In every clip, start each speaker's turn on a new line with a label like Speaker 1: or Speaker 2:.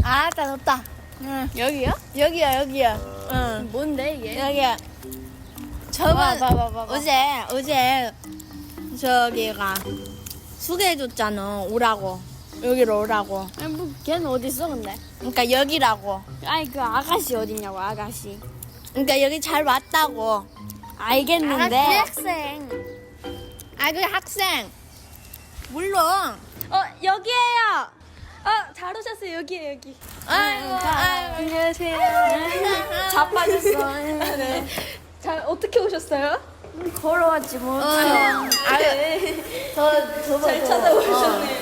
Speaker 1: 다 덥다. 응.
Speaker 2: 여기요?
Speaker 1: 여기야. 응.
Speaker 2: 뭔데 이게?
Speaker 1: 여기야. 저번
Speaker 2: 봐봐.
Speaker 1: 어제 저기가 소개해줬잖아. 오라고. 여기로 오라고.
Speaker 2: 아니 뭐 걔는 어디 있어 근데?
Speaker 1: 그러니까 여기라고.
Speaker 2: 아니 그 아가씨 어딨냐고 아가씨.
Speaker 1: 그러니까 여기 잘 왔다고.
Speaker 2: 알겠는데.
Speaker 1: 학생. 그 학생. 물론.
Speaker 2: 여기에요. 잘 오셨어요. 여기에요 여기.
Speaker 1: 아이고.
Speaker 2: 안녕하세요. 자빠졌어. 네. 잘 어떻게 오셨어요? 걸어왔지 뭐.
Speaker 1: 잘
Speaker 2: 찾아오셨네요.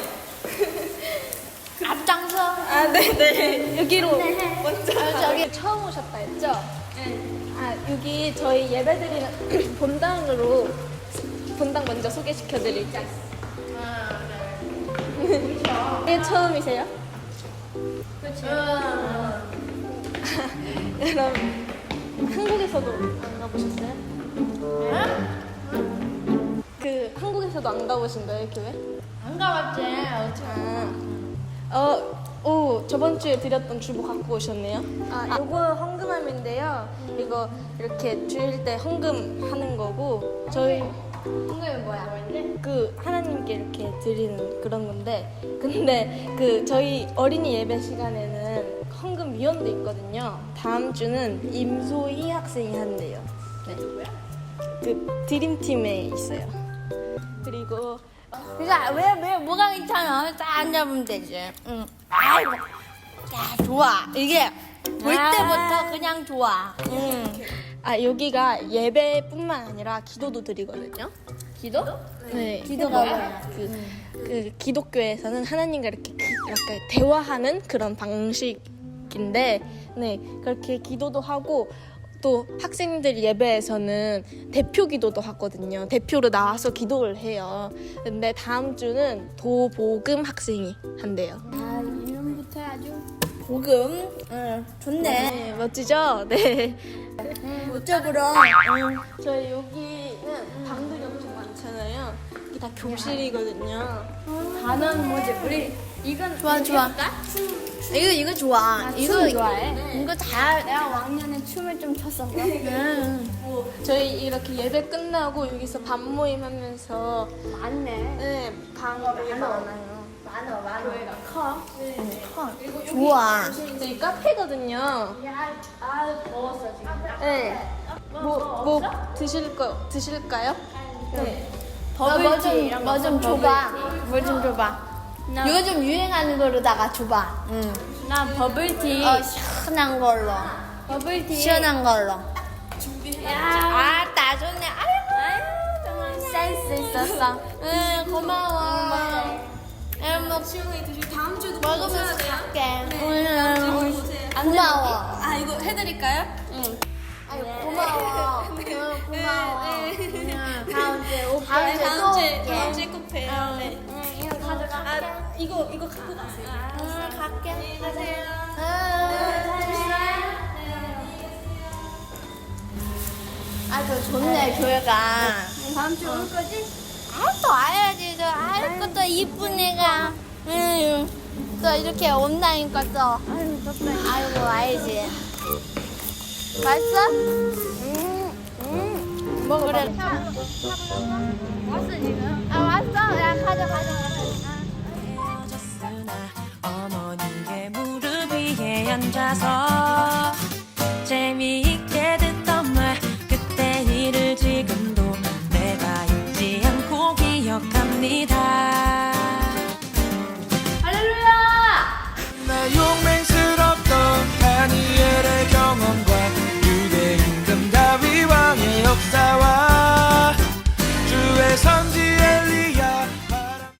Speaker 1: 앞장서.
Speaker 2: 네네. 여기로 먼저. 저기 처음 오셨다 했죠? 네. 여기 저희 예배드리는 본당 먼저 소개시켜드릴게요. 이게 처음이세요? 그렇죠. 여러분 한국에서도 안 가보셨어요? 그 한국에서도 안 가보신 거예요 교회?
Speaker 1: 안 가봤지.
Speaker 2: 저번 주에 드렸던 주보 갖고 오셨네요. 요거 헌금함인데요. 이거 이렇게 주일 때 헌금하는 거고 저희
Speaker 1: 한국에 뭐야?
Speaker 2: 그 하나님께 이렇게 드리는 그런 건데 근데 그 저희 어린이 예배 시간에는 헌금 위원도 있거든요. 다음 주는 임소희 학생이 한대요. 네. 그 드림팀에 있어요. 그리고
Speaker 1: 그러니까 왜 뭐가 괜찮아? 딱 앉아보면 되지. 응. 아이고. 야, 좋아. 이게 볼 때부터 그냥 좋아.
Speaker 2: 여기가 예배뿐만 아니라 기도도 드리거든요.
Speaker 1: 기도?
Speaker 2: 네.
Speaker 1: 기도가 뭐야?
Speaker 2: 그 기독교에서는 하나님과 이렇게 대화하는 그런 방식인데, 네 그렇게 기도도 하고 또 학생들 예배에서는 대표 기도도 하거든요. 대표로 나와서 기도를 해요. 근데 다음 주는 도복음 학생이 한대요.
Speaker 1: 이름부터 아주 복음. 좋네.
Speaker 2: 네, 멋지죠? 네.
Speaker 1: 이쪽으로.
Speaker 2: 저희 여기는 방들이 엄청 많잖아요. 이게 다 교실이거든요.
Speaker 1: 단어는 뭐지? 우리 이건 좋아. 이거 좋아.
Speaker 2: 춤 좋아해?
Speaker 1: 이거 다.
Speaker 2: 내가 왕년에 춤을 좀 췄었어. 저희 이렇게 예배 끝나고 여기서 밥 모임 하면서
Speaker 1: 많네.
Speaker 2: 네, 되게 많아요.
Speaker 1: 많아.
Speaker 2: 교회가 커.
Speaker 1: 좋아.
Speaker 2: 저희 카페거든요.
Speaker 1: 더웠어 지금.
Speaker 2: 네. 뭐 드실까요? 네.
Speaker 1: 뭐 좀 줘봐. 뭐 좀 줘봐. 요즘 유행하는 거로다가 줘봐.
Speaker 2: 나 버블티.
Speaker 1: 시원한 걸로.
Speaker 2: 버블티.
Speaker 1: 시원한 걸로.
Speaker 2: 야.
Speaker 1: 나 좋네. 아이고. 센스 있었어. 고마워. 뭐
Speaker 2: 시원하게 드시고 다음 주도
Speaker 1: 먹으면서 갈게.
Speaker 2: 고마워.
Speaker 1: 고마워.
Speaker 2: 이거 해드릴까요?
Speaker 1: 응. 고마워. 고마워. 다음 주에
Speaker 2: 꼭 봬요. 네.
Speaker 1: 이거 가져갈게.
Speaker 2: 이거 갖고 가세요.
Speaker 1: 갈게.
Speaker 2: 네, 가세요.
Speaker 1: 아주 좋네 교회가.
Speaker 2: 다음 주에 올 거지?
Speaker 1: 또 와야지. 또 이쁜 애가. 또 이렇게 온다니까 또. 아이고 와야지. 맛있어?
Speaker 2: 먹어.
Speaker 1: 그래. 왔어 지금? 왔어. 야 가져.
Speaker 3: 어머니의 무릎 위에 앉아서